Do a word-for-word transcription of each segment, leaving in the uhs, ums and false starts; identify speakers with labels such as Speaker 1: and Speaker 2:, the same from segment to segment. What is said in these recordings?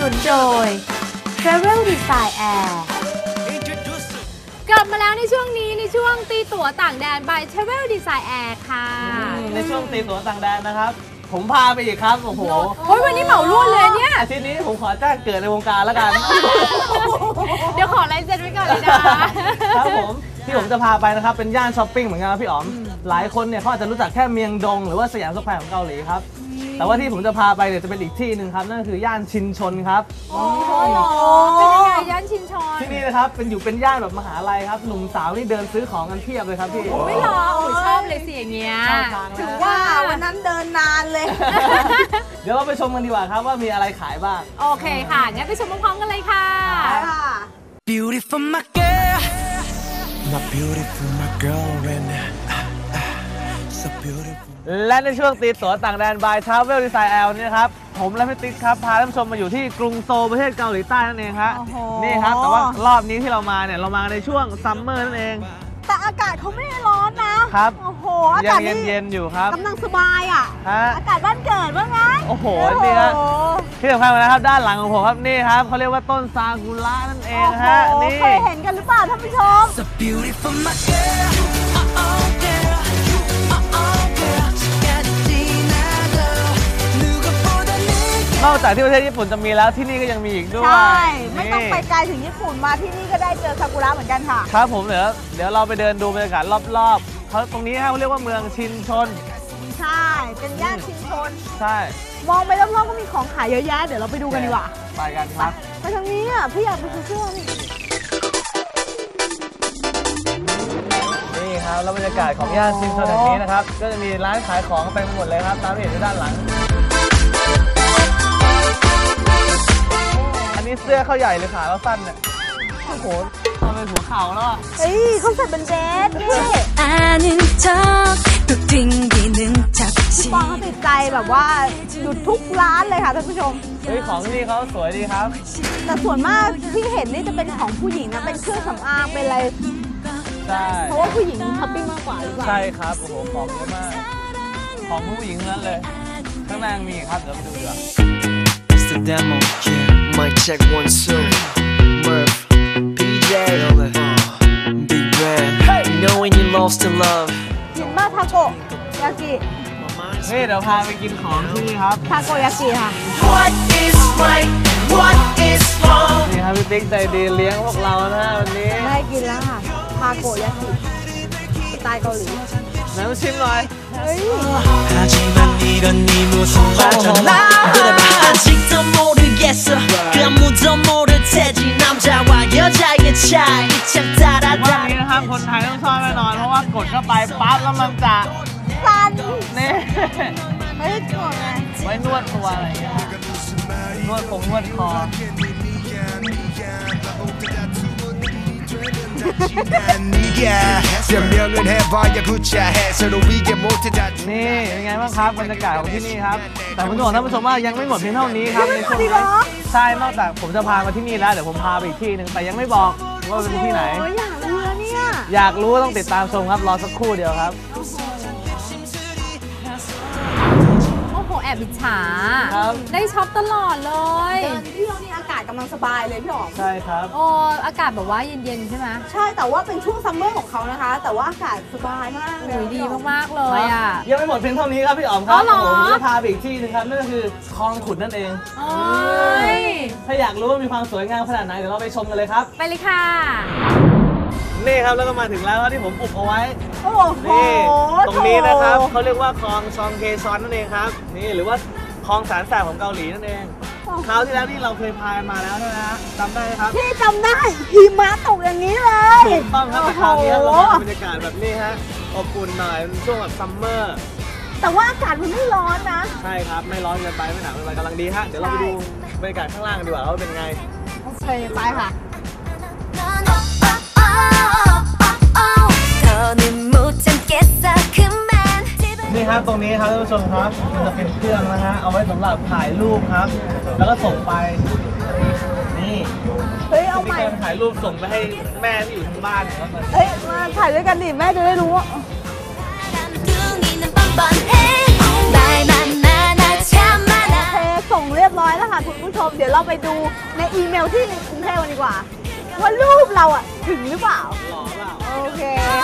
Speaker 1: นุนโดย Travel Design Air กลับมาแล้วในช่วงนี้ในช่วงตีตั๋วต่างแดน by Travel Design Air ค่ะ
Speaker 2: ในช่วงตีตั๋วต่างแดนนะครับผมพาไปอีกครับโอ้โห
Speaker 1: โอ้ยวันนี้เหมาล้วนเลยเนี่ย
Speaker 2: อาทิตย์นี้ผมขอแจ้งเกิดในวงการแล้วกัน
Speaker 1: เดี๋ยวขอไลน์เซ็นไว้ก่อนเลยนะครับ
Speaker 2: ผมที่ผมจะพาไปนะครับเป็นย่านช้อปปิ้งเหมือนกันครับพี่อ๋อมหลายคนเนี่ยเขาอาจจะรู้จักแค่เมียงดงหรือว่าสยามสแควร์ของเกาหลีครับแต่ว่าที่ผมจะพาไปเนี่ยจะเป็นอีกที่หนึ่งครับนั่นคือย่านชินชนครับ
Speaker 1: โอ้โหเป็นยังไงย่านชินชน
Speaker 2: ที่นี่นะครับเป็นอยู่เป็นย่านแบบมหาลัยครับหนุ่มสาวนี่เดินซื้อของกันเพียบเลยครับพี่
Speaker 1: ไม่หรอชอบเลยสิอย่างเงี้ย
Speaker 3: ถึงว่าวันนั้นเดินนานเลย
Speaker 2: เดี๋ยวเราไปชมกันดีกว่าครับว่ามีอะไรขายบ้าง
Speaker 1: โอเคค่ะงั้นไปชมพร้อมๆกันเลยค่ะ
Speaker 4: Beautiful my girl My beautiful my girl right now So beautiful
Speaker 2: และในช่วงตีตั๋วต่างแดน by Travel Design Air นี่นะครับผมและพี่ติ๊กครับพาท่านผู้ชมมาอยู่ที่กรุงโซลประเทศเกาหลีใต้นั่นเองครับนี่ครับแต่ว่ารอบนี้ที่เรามาเนี่ยเรามาในช่วงซัมเมอร์นั่นเอง
Speaker 3: แต่อากาศเขาไม่ร้อนนะครับโอ้โหอากาศ
Speaker 2: เย็นๆอยู่ครับ
Speaker 3: กำลังสบายอ่ะอากาศบ้านเกิดว่าไง
Speaker 2: โอ้โหนี่ครับที่สำคัญนะครับด้านหลังของผมครับนี่ครับเขาเรียกว่าต้นซากุระนั่นเองฮะนี่
Speaker 3: เคยเห็นกันหรือเปล่าท่านผู้ชม
Speaker 2: นอกจากที่ประเทศญี่ปุ่นจะมีแล้วที่นี่ก็ยังมีอีกด้วย
Speaker 3: ใช่ไม่ต้องไปไกลถึงญี่ปุ่นมาที่นี่ก็ได้เจอซากุระเหมือนกันค่ะ
Speaker 2: ครับผมเดี๋ยวเดี๋ยวเราไปเดินดูบรรยากาศรอบๆเขาตรงนี้เขาเรียกว่าเมืองชินชน
Speaker 3: ใช่เป็นย่านชินชน
Speaker 2: ใช่
Speaker 3: มองไปรอบๆก็มีของขายเยอะแยะเดี๋ยวเราไปดูกันดีกว่า
Speaker 2: ไปกันครับ
Speaker 3: ไปทางนี้อ่ะพี่อยากไปซื้อเสื้อนี่
Speaker 2: นี่ครับแล้วบรรยากาศของย่านชินชนแห่งนี้นะครับก็จะมีร้านขายของเต็มไปหมดเลยครับตามที่เห็นด้านหลังอันนี้เสื้อเขาใหญ่เลยขาเราสั้นเนี่ยโอ้โหทำเป็นหัวเข่าแล้วอ่ะ
Speaker 3: เฮ้ยเขาใส่เป็นเดรสนี่ฟองเขาติดใจแบบว่าหยุดทุกร้านเลยค่ะท่านผู้ชม
Speaker 2: เฮ้ยของที่นี่เขาสวยดีครับ
Speaker 3: แต่ส่วนมากที่เห็นนี่จะเป็นของผู้หญิงนะเป็นเครื่องสำอางเป็นอะไร
Speaker 2: ใช่
Speaker 3: เพราะว่าผู้หญิงช้อปปิ้งมากกว่าหรือเปล่า
Speaker 2: ใช่ครับโอ้โหของเยอะมากของผู้หญิงนั้นเลยข้างในมีครับเดี๋ยวไปดูดีกว่า
Speaker 4: The demo, yeah. Mic check one two. Murph, P J, uh, Big Brand. Hey. You know when you lost in love.
Speaker 3: กินบ้าทาโกยากิ
Speaker 2: นี่เดี๋ยวพาไปกินของที่นี่ครับ
Speaker 3: ทาโกยากิค่ะ
Speaker 4: What is right? What is wrong?
Speaker 2: นี่ครับพี่ติ๊กใจดีเลี้ยงพวกเรานะวันนี้
Speaker 3: ได้กินแล้วค่ะทาโกยากิสไตล์เกาหลี
Speaker 2: ไหนมาชิมหน่อย
Speaker 3: เฮ้ย
Speaker 2: วันนี้นะครับคนไทยต้องชอบแน่นอนเพราะว่ากดเข้าไปปั๊บแล้วมันจะ
Speaker 3: สั่น
Speaker 2: นี่
Speaker 3: เฮ้ยจวดไง
Speaker 2: ไว้นวดตัวอะไรอย่างเงี้ยนวดคงนวดคอนี่เป็นไงบ้างครับบรรยากาศของที่นี่ครับแต่ผมจะบอกท่านผู้ชมว่ายังไม่หมดเพียงเท่านี้ครับในช่วงนี้ใช่นอกจากผมจะพามาที่นี่แล้วเดี๋ยวผมพาไปอีกที่หนึ่งแต่ยังไม่บอกว่าเป็นที่ไหน
Speaker 3: อยากรู้แล้วเนี่ย
Speaker 2: อยากรู้ต้องติดตามชมครับรอสักครู่เดียวครับ
Speaker 1: แอบอิจฉาได้ช็อปตลอดเลย
Speaker 3: เดินเที่ยวนี่อากาศกำลังสบายเลยพี่อ๋อม
Speaker 2: ใช่ครับ
Speaker 1: โอ้อากาศแบบว่าเย็นๆใช่ไหม
Speaker 3: ใช่แต่ว่าเป็นช่วงซัมเมอร์ของเขานะคะแต่ว่าอากาศสบายมากเลย
Speaker 1: ดีมากๆเลยอ่ะ
Speaker 2: ยังไม่หมดเพียงเท่านี้ครับพี่อ๋อมครับผมจะพาไปอีกที่นึงครับนั่นก็คือคลองขุดนั่นเองถ้าอยากรู้ว่ามีความสวยงามขนาดไหนเดี๋ยวเราไปชมกันเลยครับ
Speaker 1: ไปเลยค่ะ
Speaker 2: นี่ครับแล้วก็มาถึงแล้วที่ผมอุบเอาไว้
Speaker 3: โอ้โห
Speaker 2: ตรงนี้นะครับเขาเรียกว่าคลองซองเคซอนนั่นเองครับนี่หรือว่าคลองแสนแสบของเกาหลีนั่นเองคราวที่แล้วนี่เราเคยพากันมาแล้วใช่ไหมฮะจำได้ไหมครับ
Speaker 3: ที่จำได้หิมะตกอย่างนี้เลย
Speaker 2: ถูกต้องครับแต่คราวนี้เราบรรยากาศแบบนี้ฮะอบอุ่นหน่อยช่วงแบบซัมเมอร์
Speaker 3: แต่ว่าอากาศมันไม่ร้อนนะ
Speaker 2: ใช่ครับไม่ร้อนเกินไปไม่หนาวเกินไปกำลังดีฮะเดี๋ยวเราไปดูบรรยากาศข้างล่างดีกว่าว่าเป็นไง
Speaker 3: โอเคไปค่ะ
Speaker 2: นี่ครับตรงนี้ครับท่านผู้ชมครับมันจะเป็นเครื่องนะฮะเอาไว้สำหรับถ่ายรูปครับแล้วก็ส่งไปนี่
Speaker 3: เฮ้ยเอาใหม่
Speaker 2: ถ่ายรูปส่งไปให้แม่ที่อยู่ทางบ้านครับ
Speaker 3: เฮ้ยมาถ่ายด้วยกันดิแม่จะได้รู้ว่าโอเคส่งเรียบร้อยแล้วค่ะคุณผู้ชมเดี๋ยวเราเราไปดูในอีเมลที่กรุงเทพกันดีกว่าว่ารูปเราอ่ะถึงหรือเปล่า
Speaker 2: หล่อเปล่า
Speaker 3: โอเค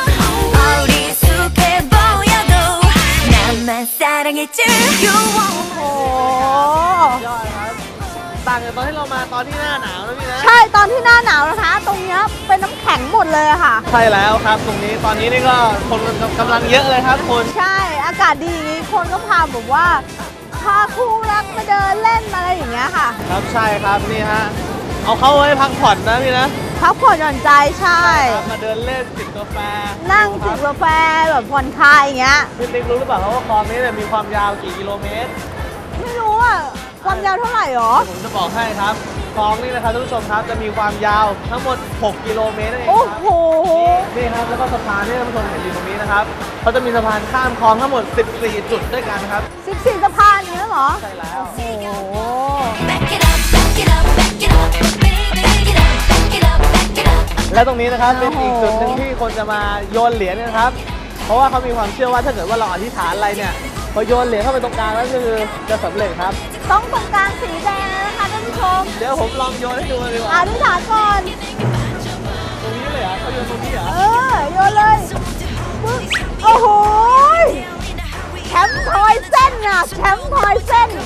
Speaker 3: โอ้
Speaker 2: ยอดครับต่างจากตอนที่เรามาตอนที่หน้าหนาวนะพี่นะ
Speaker 3: ใช่ตอนที่หน้าหนาวนะคะ ตรงเนี้ยเป็นน้ำแข็งหมดเลยอะค่ะ
Speaker 2: ใช่แล้วครับตรงนี้ตอนนี้นี่ก็คนกำลังเยอะเลยครับคน
Speaker 3: ใช่อากาศดีอย่างนี้คนก็พาแบบว่าพาคู่รักมาเดินเล่นมาอะไรอย่างเงี้ยค่ะ
Speaker 2: ครับใช่ครับนี่ฮะเอาเข้าไว้พักผ่อนนะพี่นะ
Speaker 3: พักผ่อนหย่อนใจใช่
Speaker 2: ครับมาเดินเล่นจิบกาแฟ
Speaker 3: นั่งจิบกาแฟแบบผ่อนคลายอย่างเงี้ย
Speaker 2: พี่ติ๊กรู้หรือเปล่าครับว่าคลองนี้เนี่ยมีความยาวกี่กิโลเมตร
Speaker 3: ไม่รู้อ่ะความยาวเท่าไหร่หรอ
Speaker 2: ผมจะบอกให้ครับคลองนี้นะครับท่านผู้ชมครับจะมีความยาวทั้งหมดหกกิโลเมตรนั่นเอง
Speaker 3: โอ้
Speaker 2: ครับ
Speaker 3: โห
Speaker 2: นี่ครับแล้วก็สะพานที่ท่านผู้ชมเห็นอยู่ตรงนี้นะครับเขาจะมีสะพานข้ามคลองทั้งหมดสิบสี่จุดด้วยกันครับ
Speaker 3: สิบสี่สะพานอย่างเงี้ยเหรอ
Speaker 2: ใช่แล้ว
Speaker 3: โอ้โห
Speaker 2: และตรงนี้นะครับเป็นอีกจุดหนึ่งที่คนจะมาโยนเหรียญนะครับ เพราะว่าเขามีความเชื่อว่าถ้าเกิดว่าเราอธิษฐานอะไรเนี่ยพอโยนเหรียญเข้าไปตรงกลางแล้วก็คือจะสำเร็จครับ
Speaker 3: ต้องตรงกลางสีแดงนะคะท่านผู้ชม
Speaker 2: เดี๋ยวผมลองโยนให้ดูดีกว่า
Speaker 3: อธิษฐานก่อน
Speaker 2: ตรงนี้เลยเหรอเขาโยนตรงนี้เหรอ
Speaker 3: เออโยนเลยปึ๊บโอ้โหแชมป์ทอยเส้นอ่ะแชมป์ทอยเส้น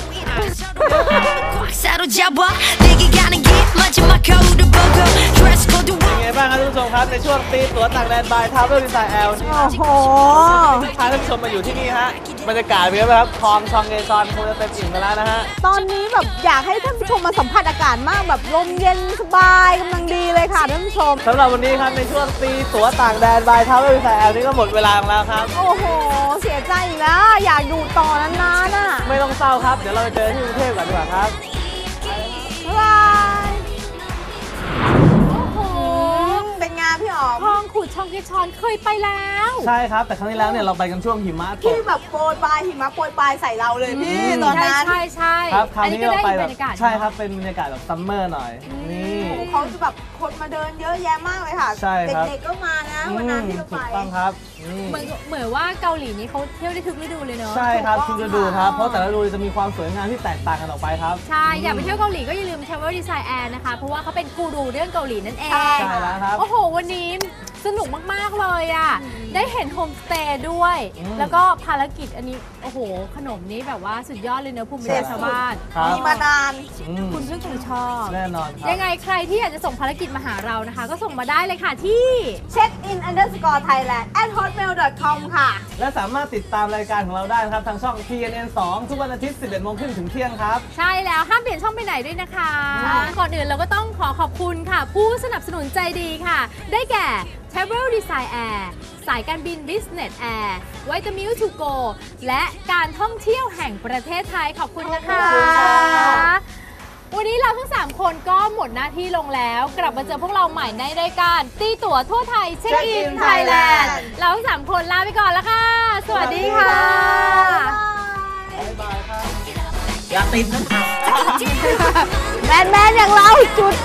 Speaker 2: เป็นไงบ้างครับท่านผู้ชมครับในช่วงตีตั๋วต่างแดนบายทาวเวอร์ดีไซน์แอล
Speaker 3: โอ้โห
Speaker 2: พาท่านผู้ชมมาอยู่ที่นี่ฮะบรรยากาศเป็นไงบ้างครับคลองชองเกซอนคงจะเต็มอิ่มกันแล้วนะฮะ
Speaker 3: ตอนนี้แบบอยากให้ท่านผู้ชมมาสัมผัสอากาศมากแบบลมเย็นสบายกำลังดีเลยค่ะท่านผู้ชม
Speaker 2: สำหรับวันนี้ครับในช่วงตีตั๋วต่างแดนบายทาวเวอร์ดีไซน์แอลนี่ก็หมดเวลาของเราครับ
Speaker 3: โอ้โห เสียใจอีกแล้วอยากอยู่ต่อนานๆน่ะ
Speaker 2: ไม่ต้องเศร้าครับเดี๋ยวเราไปเจอที่กรุงเทพก่อนดีกว่าครับ
Speaker 3: บ๊ายบาย
Speaker 1: โอ้โห
Speaker 3: เป็นไงพี่อ๋อม
Speaker 1: คลองขุดชองเกชอนเคยไปแล้ว
Speaker 2: ใช่ครับแต่ครั้งที่แล้วเนี่ยเราไปกันช่วงหิมะต
Speaker 3: ที่
Speaker 2: ก
Speaker 3: แบบโปรยปลายหิมะโปรยปลายใส่เราเลยพี่ตอนนั้น
Speaker 1: ใช่ใช่
Speaker 2: ครับคราว
Speaker 1: อัน
Speaker 2: นี้
Speaker 1: นี้ก็
Speaker 2: เรา
Speaker 1: ได้
Speaker 2: ไป
Speaker 1: อีก
Speaker 2: แบบ
Speaker 1: บรรยากาศ
Speaker 2: ใช่ครับเป็นบรรยากาศแบบซัมเมอร์หน่อยนี่
Speaker 3: เขาจะแบบคนมาเดินเยอะแยะมากเลยค่ะ
Speaker 2: ใช่ครับ
Speaker 3: เด็กๆก็มานะวันนั้นที่เรา
Speaker 2: ถู
Speaker 3: ไป
Speaker 2: กต้องครับนี่
Speaker 1: เหมือนเหมือนว่าเกาหลีนี้เขาเที่ยวได้ทุกฤดูเลยเนอะ
Speaker 2: ใช่ครับ
Speaker 3: ถู
Speaker 2: ทุ
Speaker 3: ก
Speaker 2: ก
Speaker 3: ต้อง
Speaker 2: ฤดูครับ
Speaker 3: ค่ะ
Speaker 2: เพราะแต่ละฤดูจะมีความสวยงามที่แตกต่างกันออกไปครับ
Speaker 1: ใช่ อยากไปเที่ยวเกาหลีก็อย่าลืม Travel Design Air นะคะ เพราะว่าเขาเป็นกูรูเรื่องเกาหลีนั่นเอง
Speaker 3: ใช่
Speaker 2: ใช่แล้วครับ
Speaker 1: โอ้โห วันนี้สนุกมาก ๆ เลยอ่ะ ได้เห็นโฮมสเตย์ด้วย
Speaker 2: อืม
Speaker 1: แล้วก็ภารกิจอันนี้ โอ้โห ขนมนี้แบบว่าสุดยอดเลยเนอะภูมิปัญญาชาวบ้าน
Speaker 2: ครับ
Speaker 3: มีมานาน
Speaker 2: อืม
Speaker 1: คุณเพิ่งคงชอบ
Speaker 2: แน่นอนครับ
Speaker 1: ยังไงใครที่อยากจะส่งภารกิจมาหาเรานะคะ ก็ส่งมาได้เลยค่ะที่
Speaker 3: check in underscore thailand at hotmail dot com ค่ะ
Speaker 2: และสามารถติดตามรายการของเราได้นะครับทางช่อง ที เอ็น เอ็น สอง ทุกวันอาทิตย์ สิบเอ็ดโมงครึ่งถึงเที่ยงครับ
Speaker 1: ใช่แล้วห้ามเปลี่ยนช่องไปไหนด้วยนะคะ ก่อนอื่นเราก็ต้องขอขอบคุณค่ะ ผู้สนับสนุนใจดีค่ะ ได้แก่ Travel Design Air สายการบิน Business Air Vitamin to Go และการท่องเที่ยวแห่งประเทศไทยขอบคุณนะคะ
Speaker 3: ขอบคุณค่ะ
Speaker 1: วันนี้เราทั้งสามคนก็หมดหน้าที่ลงแล้ว กลับมาเจอพวกเราใหม่ในรายการตีตั๋วทั่วไทยเช็คอินไทยแลนด์เราทั้งสามคนลาไปก่อนแล้วค่ะ สวัสดีค่ะ
Speaker 2: บ๊ายบายครับ อย่าติดนะ
Speaker 3: แมนแมนๆอย่างเราจุด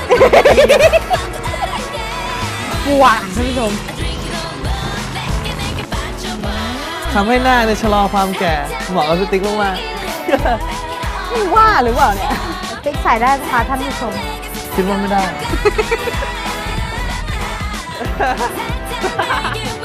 Speaker 2: หวานท่านผู้ชมทำให้หน้าเนี่ยชะลอความแก่เหมาะกับพี่ติ๊กมาก
Speaker 3: ไม่ว่าหรือเปล่าเนี่ย ติ๊กใส่ได้ไหมคะท่านผู้ชม
Speaker 2: ๆคิดว่าไม่ได้